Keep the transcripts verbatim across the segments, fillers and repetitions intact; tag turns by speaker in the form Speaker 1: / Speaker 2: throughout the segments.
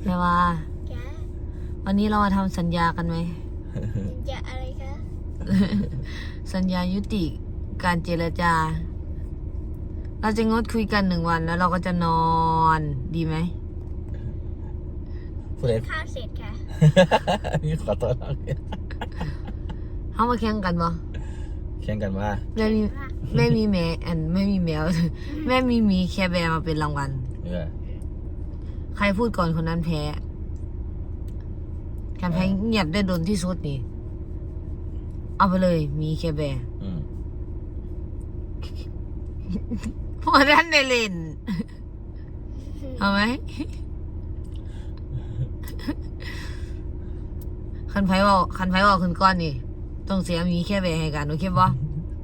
Speaker 1: แม่ว่าวันนี้เรามาทำสัญญากันไหม
Speaker 2: สัญญาอะไรคะ
Speaker 1: สัญญายุติการเจรจา เราจะงดคุยกันหนึ่งวันแล้วเราก็จะนอนดีไหม
Speaker 3: ผู้ใด
Speaker 2: ข้าวเสร็จค่ะ
Speaker 3: นี่ขอตัวเรา
Speaker 1: เขามาแข่งกันบ่
Speaker 3: แข่งกันว่า
Speaker 1: แม่มีแม่มีแมวอันไม่มีแมว แม่มีหมีแคร์แบร์มาเป็นรางวัล
Speaker 3: เออ
Speaker 1: ใครพูดก่อนคนนั้นแพ้การแพ้เงียบได้โดนที่สุดนี่ เอาไปเลยหมีแคร์แบร์
Speaker 3: อืม
Speaker 1: พอท่านได้เล่น เอาไหม คันไผ่บอกคันไผ่บอกขึ้นก้อนนี่ต้องเสียหมีแคร์แบร์ให้กันโอเคบ่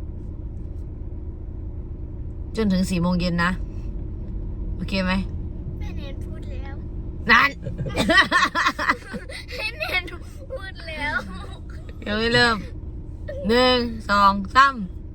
Speaker 1: จนถึงสี่โมงเย็นนะโอเคไหม
Speaker 2: แม่เนนพูดแล้ว
Speaker 1: นั่น
Speaker 2: แม่เนนพูดแล้ว
Speaker 1: ยังไม่เริ่มหนึ่งสองสาม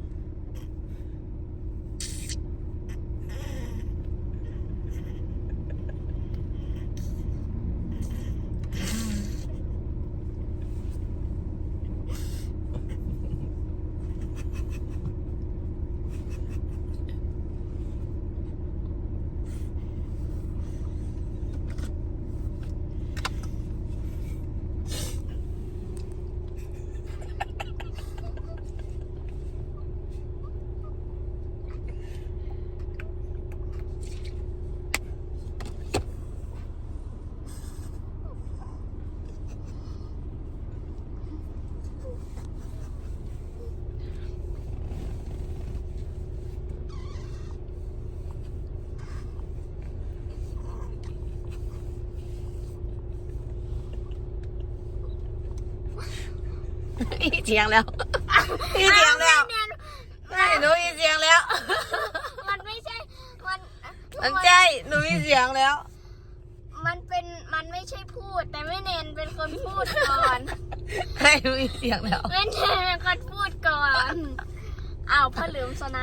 Speaker 1: อีเสียงแล้วอีเสียงแล้ว
Speaker 2: แม่เนน
Speaker 1: ไม่หนูมีเสียงแล้ว
Speaker 2: มันไม่ใช่ มัน
Speaker 1: มันใช่หนูมีเสียงแล้ว
Speaker 2: มันเป็น มันไม่ใช่พูด แต่แม่เนนเป็นคนพูดก่อน
Speaker 1: ให้หนูมีเสียงแล้ว
Speaker 2: แม่เนนเป็นคนพูดก่อน อ้าวพ่อเหลือมชนะ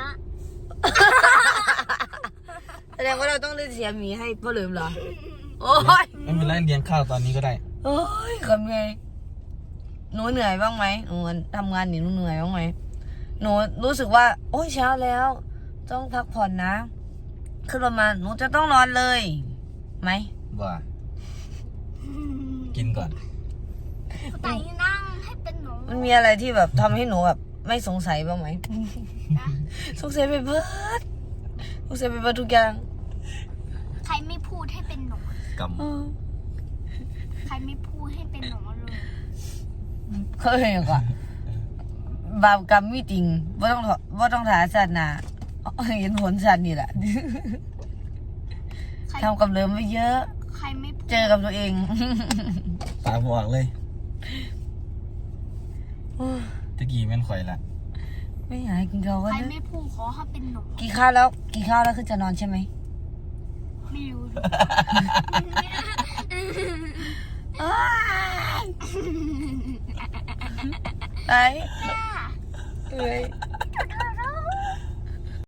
Speaker 1: แสดงว่าเราต้องเล่นเสียงหมีให้พ่อลืมเหรอ โอ้ย
Speaker 3: ไม่เป็นไรเลี้ยงข้าวตอนนี้ก็ได้
Speaker 1: โอ้ยทำไงหนูเหนื่อยบ้างไหมหนูทำงานหนีหนูเหนื่อยบ้างไหมหนูรู้สึกว่า โอ้ยเช้าแล้ว ต้องพักผ่อนนะขึ้นรถมาหนูจะต้องนอนเลยไหม
Speaker 3: ว่ากินก่อน
Speaker 2: แต่นั่งให้เป็นหนู
Speaker 1: มันมีอะไรที่แบบทำให้หนูแบบไม่สงสัยบ้างไหม
Speaker 2: นะ
Speaker 1: สงสัยไปเบิดสงสัยไปเบิดทุกอย่าง
Speaker 2: ใครไม่พูดให้เป็นหนู
Speaker 3: ก
Speaker 1: เออ
Speaker 2: ใครไม่พูดให้เป็นหนูเลย
Speaker 1: เคยเห็นก่อนบาปกรรมมีจริงว่าต้องว่าต้องถาศาสนาเห็นผลสัตว์นี่แหละ
Speaker 2: ใคร
Speaker 1: ทำกับเลิมไว้เยอะ
Speaker 2: ใครไม่พูด
Speaker 1: เจอกับตัวเอง
Speaker 3: ำตาบวกเลยตะกี้แม่นข่อยละ
Speaker 1: ไม่อยากให้กินข้าวกัน
Speaker 2: ใคร
Speaker 1: นะ
Speaker 2: ไม่พูดขอให้เป็นหนู
Speaker 1: กี่ข้าวแล้วกี่ข้าวแล้วคือจะนอนใช่ไหม
Speaker 2: ไม่รู้
Speaker 1: ไอ้
Speaker 2: ค่ะ
Speaker 1: เอ้ย